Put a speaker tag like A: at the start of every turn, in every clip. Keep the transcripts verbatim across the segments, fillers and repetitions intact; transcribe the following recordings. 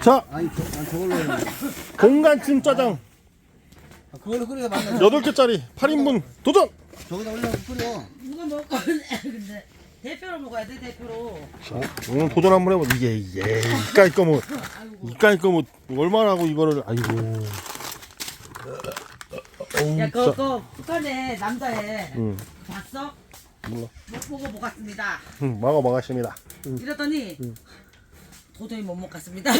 A: 자,
B: 아니 저, 아, 저걸로 해.
A: 공간찜 짜장
B: 아, 그걸로 끓여서 만나.
A: 여덟 개짜리 팔 인분 도전!
B: 저기다 올려서 끓여.
C: 누가 먹을 근데 대표로 먹어야 돼 대표로.
A: 자, 오늘 도전 한번 해봐. 이게 이게 이까이 거뭐 이까이 거뭐 얼마나 하고 이거를 아이고. 어우,
C: 야
A: 진짜.
C: 그거 그거 북한에 남자애
A: 응,
C: 봤어?
A: 몰라.
C: 못 보고 못 갔습니다.
A: 응, 먹어 먹었습니다. 응.
C: 이러더니
A: 응.
C: 도저히 못 먹겠습니다.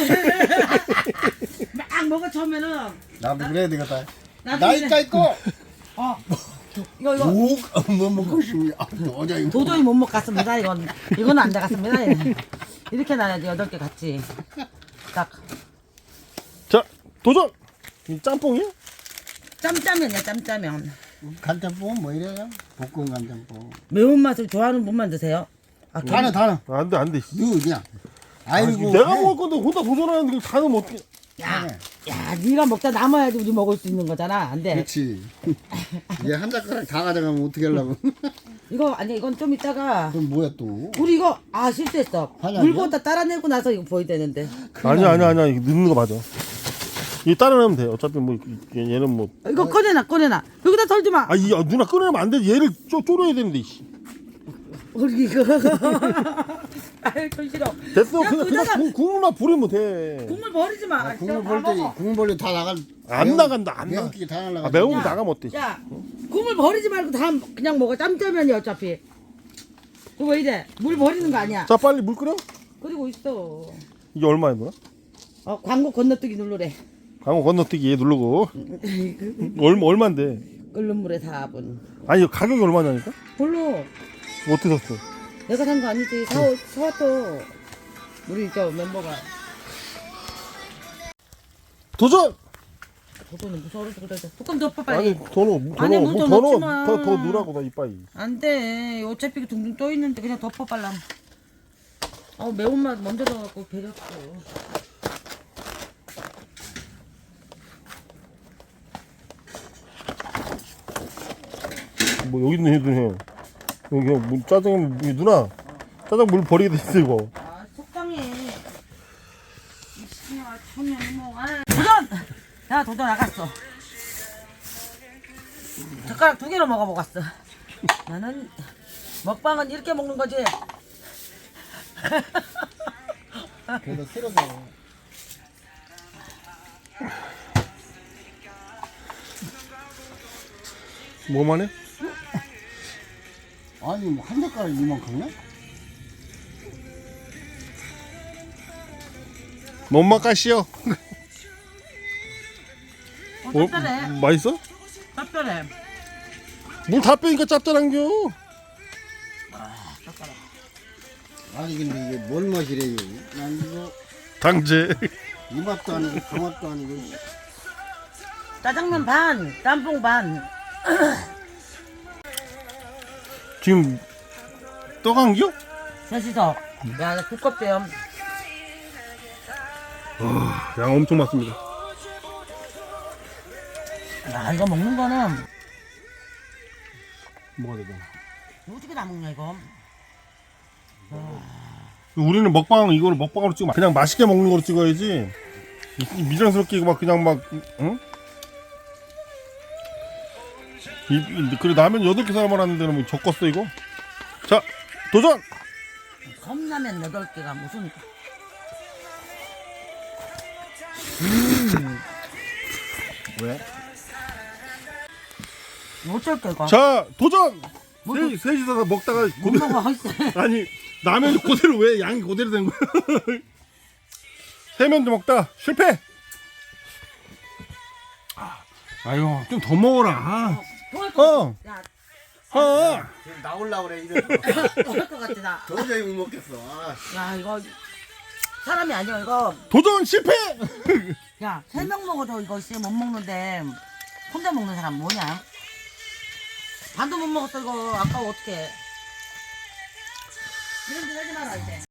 C: 막 먹어 처음에는
B: 나도 그래야 되겠다.
C: 나도
B: 나이까 있고.
C: 어 이거 이거
B: 오뭐 먹고 싶냐? 어제 이거.
C: 도저히 못 먹겠습니다. 이건 이건 안 되겠습니다. 이렇게 놔야지 여덟 개 같이 딱
A: 자, 도전! 이 짬뽕이야?
C: 짬짜면이야 짬짜면.
B: 간장뽕은 뭐 이래요? 볶음 간장뽕.
C: 매운맛을 좋아하는 분만 드세요. 아,
B: 다는 다는.
A: 안돼 안돼.
B: 누구 그냥. 아이고.
A: 내가
B: 해.
A: 먹을 건데 혼자 도전하는데 그걸 다 넣으면 어떡해.
C: 야, 야, 네가 먹다 남아야지 우리 먹을 수 있는 거잖아. 안 돼.
B: 그렇지. 얘 한 젓가락 다 가져가면 어떻게 하려고?
C: 이거 아니 이건 좀 이따가
B: 그럼 뭐야 또?
C: 우리 이거 아 실수했어.
B: 아니,
C: 물
B: 아니야?
C: 부었다 따라내고 나서 이거 보여야 되는데.
A: 아니야 아니야 아니야 이거 넣는 거 맞아. 이 따라 넣으면 돼. 어차피 뭐 얘- 얘는 뭐.
C: 이거 꺼내놔 꺼내놔. 여기다 털지 마.
A: 아, 이 아, 누나 끊으면 안 돼. 얘를 쪼 쪼려야 되는데. 이씨.
C: 우리 이거. 아유 좀 싫어.
A: 됐어.
C: 야,
A: 그냥 그냥
C: 그자가-
A: 국- 국물만 부리면 돼.
C: 국물 버리지 마.
B: 아, 국물
C: 다
B: 볼 때,
C: 먹어.
B: 국물 볼 때 다 나갈.
A: 안
B: 매운-
A: 나간다, 안 나가.
B: 매운기 다 날라가.
A: 아, 매운 거
C: 야.
A: 나가면 어때?
C: 야, 국물 버리지 말고 다 그냥 먹어. 짬짜면이 어차피. 이거 왜 이래? 물 버리는 거 아니야.
A: 자, 빨리 물 끓여.
C: 그리고 있어.
A: 이게 얼마야, 누나?
C: 어 광고 건너뛰기 누르래.
A: 강호 건너뛰기 얘 누르고. 얼마 얼마인데?
C: 끓는 물에 사 분.
A: 아니, 가격이 얼마냐니까?
C: 별로.
A: 어떻게 샀어?
C: 내가 산 거 아니지. 사, 사왔어. 우리 저 멤버가.
A: 도전!
C: 저거는 무서워서 그래. 뚜껑 덮어 빨리.
A: 아니, 더 넣어. 더
C: 아니,
A: 넣어.
C: 물좀
A: 더
C: 넣지
A: 넣어.
C: 마.
A: 더, 더 넣으라고, 나 이빠이.
C: 안 돼. 어차피 둥둥 떠 있는데 그냥 덮어 빨라. 어 매운맛 먼저 넣어갖고 배렸어.
A: 뭐, 여기 있는 애들 해. 여기, 그냥 물, 짜장에, 물- 누나. 짜장 물 버리게 됐어, 이거.
C: 아 속상해. 이씨야 초면이 뭐. 아, 도전! 야 도전 나갔어. 젓가락 두 개로 먹어보겠어. 나는 먹방은 이렇게 먹는 거지.
B: 그래도 싫어서.
A: 뭐만 해?
B: 아니 뭐 한 젓가락 이만큼이야?
A: 뭔 맛까시요?
C: 어, 짭짤해.
A: 맛있어?
C: 짭짤해.
A: 물 다 빼니까 짭짤한겨.
C: 젓가락.
B: 아니 근데 이게 뭔 맛이래요? 난 이거
A: 당제.
B: 이 맛도 아니고 그 맛도 아니고.
C: 짜장면 반, 짬뽕 반.
A: 지금 떠간겨?
C: 셋이서. 야, 나 두껍대요.
A: 양 엄청 많습니다.
C: 야, 이거 먹는 거는
A: 뭐가 되잖아.
C: 어떻게 다 먹냐 이거?
A: 우리는 먹방 이거를 먹방으로 찍으면 그냥 맛있게 먹는 거로 찍어야지. 이- 이 미장스럽게 이거 막 그냥 막 응? 이, 이, 그래 라면 여덟 개 사람 하는데 뭐 적었어 이거. 자 도전.
C: 컵라면 여덟 개가 무슨?
B: 왜?
C: 어쩔 이거?
A: 자 도전. 세, 셋이서 먹다가
C: 못
A: 고대로,
C: 먹어 있어.
A: 아니 라면이 그대로 왜 양이 그대로 된 거야? 세면도 먹다 실패. 아유 좀 더 먹어라.
C: 토할 것
A: 어.
C: 같아. 야,
A: 어.
B: 지금 나올라 그래 이제.
C: 토할 것 같아 나.
B: 도저히 못 먹겠어. 아.
C: 야 이거 사람이 아니야 이거.
A: 도전 실패.
C: 야 세 명 먹어도 이거 씨 못 먹는데 혼자 먹는 사람 뭐냐? 반도 못 먹었어 이거 아까워 어떡해. 이런 짓 하지 마라 이제.